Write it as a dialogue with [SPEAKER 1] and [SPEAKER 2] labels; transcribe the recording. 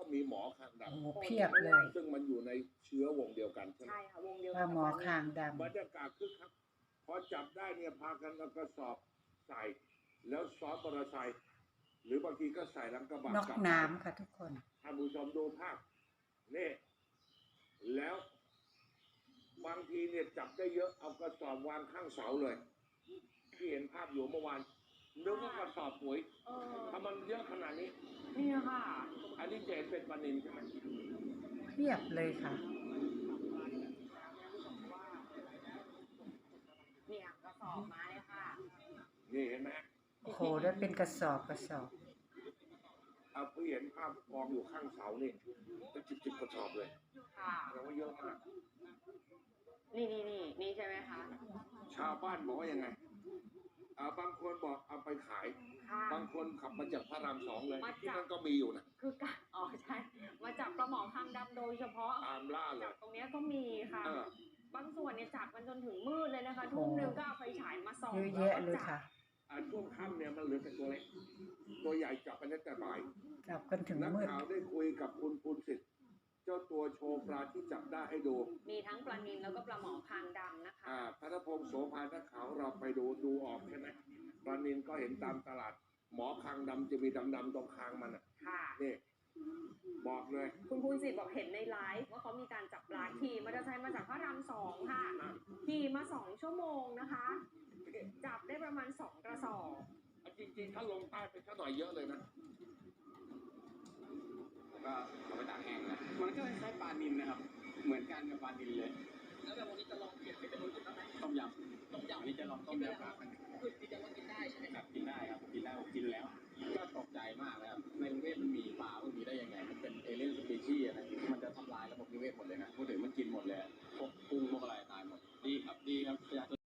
[SPEAKER 1] ต้องมีหมอคางด
[SPEAKER 2] โอ้โหเพียบเลย
[SPEAKER 1] ำซึ่งมันอยู่ในเชื้อวงเดียวกันใช่ไหม
[SPEAKER 3] ใช่ค่ะวงเดียว
[SPEAKER 2] ว่าหมอคางด
[SPEAKER 1] บรรยากาศคึกคักพอจับได้เนี่ยพากันเอากระสอบใส่ แล้วซ้อนมอเตอร์ไซค์หรือบางทีก็ใส่หลังกระบะ
[SPEAKER 2] ำนอกน้ำค่ะทุกคน
[SPEAKER 1] ท่านผู้ชมดูภาพนี่แล้วบางทีเนี่ยจับได้เยอะเอากระสอบวางข้างเสาเลยที่เห็นภาพอยู่เมื่อวานนึกว่ากระสอบปุ๋ยทำมันเยอะขนาดนี้
[SPEAKER 3] นี่ค่ะ
[SPEAKER 1] อันนี้เจนเป็นปลานิลใช่ไหม
[SPEAKER 2] เพียบเลยค่ะ
[SPEAKER 3] เนี่ยกระสอบมาเลยค่ะ
[SPEAKER 1] นี่เห็นไหม
[SPEAKER 2] โอ้โหได้เป็นกระสอบ
[SPEAKER 1] เอาเพื่อเห็นภาพกองอยู่ข้างเสานี่เป็นจิบกระสอบเลย
[SPEAKER 3] ค่ะ
[SPEAKER 1] แปลว่าเยอะมาก
[SPEAKER 3] นี่ใช่ไหมคะ
[SPEAKER 1] ชาวบ้านบอกว่ายังไงบางคนบอกเอาไปขาย
[SPEAKER 3] ค่ะ
[SPEAKER 1] บางคนขับมาจากพระราม2เลย
[SPEAKER 3] มาจาก
[SPEAKER 1] ที่นั่นก็มีอยู่นะ
[SPEAKER 3] คือการใช่ มาจับปลาหมอคางดำโดยเฉพาะ
[SPEAKER 1] ตามล่าเล
[SPEAKER 3] จั
[SPEAKER 1] ย
[SPEAKER 3] บตรงเนี้ยก็มีค่ะ
[SPEAKER 1] เออบ
[SPEAKER 3] างส่วนเนี่ยจับกันจนถึงมืดเลยนะคะ
[SPEAKER 2] โอ้
[SPEAKER 3] ทุ่มหนึ่งก็เอาไฟฉายมาส่อง
[SPEAKER 2] เยอะแยะเลยค่ะ
[SPEAKER 1] ช่วงค่ำเนี่ยมันเหลือแต่ตัวเล็กตัวใหญ่จับไปตั้งแต่บ่าย
[SPEAKER 2] จับกันถึง
[SPEAKER 1] นัก
[SPEAKER 2] มืด
[SPEAKER 1] ข่าวได้คุยกับคุณภูนสิทธิ์เจ้าตัวโชว์ปลาที่จับได้ให้ดู
[SPEAKER 3] มีทั้งปลานิลแล้วก็ปลาหมอคางดำนะคะ
[SPEAKER 1] พัทพงศ์โสภานักข่าวเราไปดูออกใช่ไหมปลานิลก็เห็นตามตลาด หมอคางดำจะมีดำๆตรงคางมันอ่ะ
[SPEAKER 3] ค่ะ
[SPEAKER 1] นี่บอกเลย
[SPEAKER 3] คุณภูนศิษฐ์บอกเห็นในไลฟ์ว่าเขามีการจับปลาขี่มอเตอร์ไซค์มาจากพระราม2ค่ะ ขี่มา2 ชั่วโมงนะคะ จับได้ประมาณ2 กระสอบ
[SPEAKER 1] จริงๆถ้าลงใต้ไปสักหน่อยเยอะเลยนะ
[SPEAKER 4] แล้วก็เอาไปตากแห้งนะมันก็คล้ายๆปลานิลนะครับ เหมือนกันกับปลานิลเลย
[SPEAKER 5] แล้วแบบวันนี้จะลองเปลี่ยนเป็นเมนูอื่นบ้างไหม
[SPEAKER 4] ต้มยำ
[SPEAKER 5] ต้มยำ
[SPEAKER 4] อันนี้จะลองต้มยำปลากัน
[SPEAKER 5] คือที่จะว่ากินได้ใช่ไหม
[SPEAKER 4] ครับกินได้ครับกินได้ผมกินแล้ว ก็ตกใจมากนะครับในกรุงเทพมันมีปลาพวกนี้ได้ยังไง มันเป็นเอเลี่ยนสปีชีส์อะไรมันจะทำลายระบบนิเวศหมดเลยนะพูดถึงมันกินหมดเลยพวกกุ้งพวกอะไรตายหมดดีครับดีครับ